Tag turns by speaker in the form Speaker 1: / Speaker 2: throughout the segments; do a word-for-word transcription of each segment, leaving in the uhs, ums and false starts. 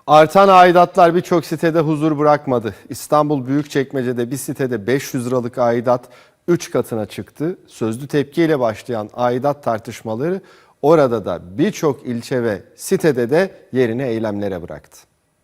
Speaker 1: Artan aidatlar birçok sitede huzur bırakmadı. İstanbul Büyükçekmece'de bir sitede beş yüz liralık aidat üç katına çıktı. Sözlü tepkiyle başlayan aidat tartışmaları orada da birçok ilçe ve sitede de yerini eylemlere bıraktı.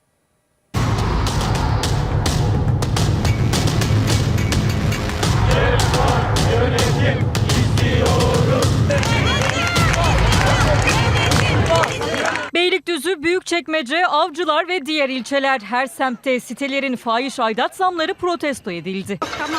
Speaker 2: Beylikdüzü, Büyükçekmece, Avcılar ve diğer ilçeler, her semtte sitelerin fahiş aidat zamları protesto edildi. Tamam.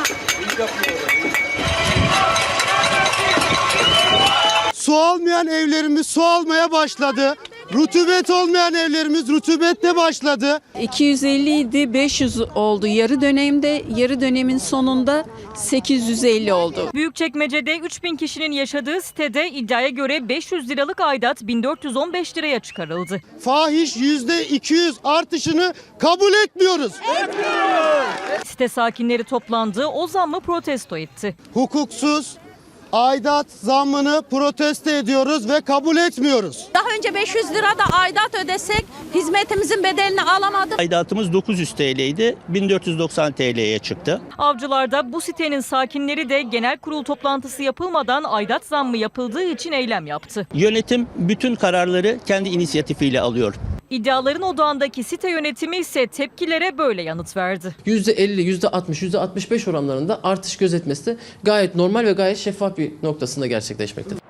Speaker 3: Su almayan evlerimiz su almaya başladı. Rutubet olmayan evlerimiz rutubette başladı.
Speaker 4: iki yüz elli idi, beş yüz oldu yarı dönemde, yarı dönemin sonunda sekiz yüz elli oldu.
Speaker 2: Büyükçekmece'de üç bin kişinin yaşadığı sitede iddiaya göre beş yüz liralık aidat bin dört yüz on beş liraya çıkarıldı.
Speaker 3: Fahiş yüzde iki yüz artışını kabul etmiyoruz.
Speaker 2: Site sakinleri toplandı, o zammı protesto etti.
Speaker 3: Hukuksuz aidat zammını protesto ediyoruz ve kabul etmiyoruz.
Speaker 5: Daha önce beş yüz lira da aidat ödesek hizmetimizin bedelini alamadık.
Speaker 6: Aidatımız dokuz yüz T L'ydi, bin dört yüz doksan T L'ye çıktı.
Speaker 2: Avcılar'da bu sitenin sakinleri de genel kurul toplantısı yapılmadan aidat zammı yapıldığı için eylem yaptı.
Speaker 6: Yönetim bütün kararları kendi inisiyatifiyle alıyor.
Speaker 2: İddiaların odağındaki site yönetimi ise tepkilere böyle yanıt verdi.
Speaker 7: yüzde elli, yüzde altmış, yüzde altmış beş oranlarında artış gözetmesi de gayet normal ve gayet şeffaf bir noktasında gerçekleşmektedir.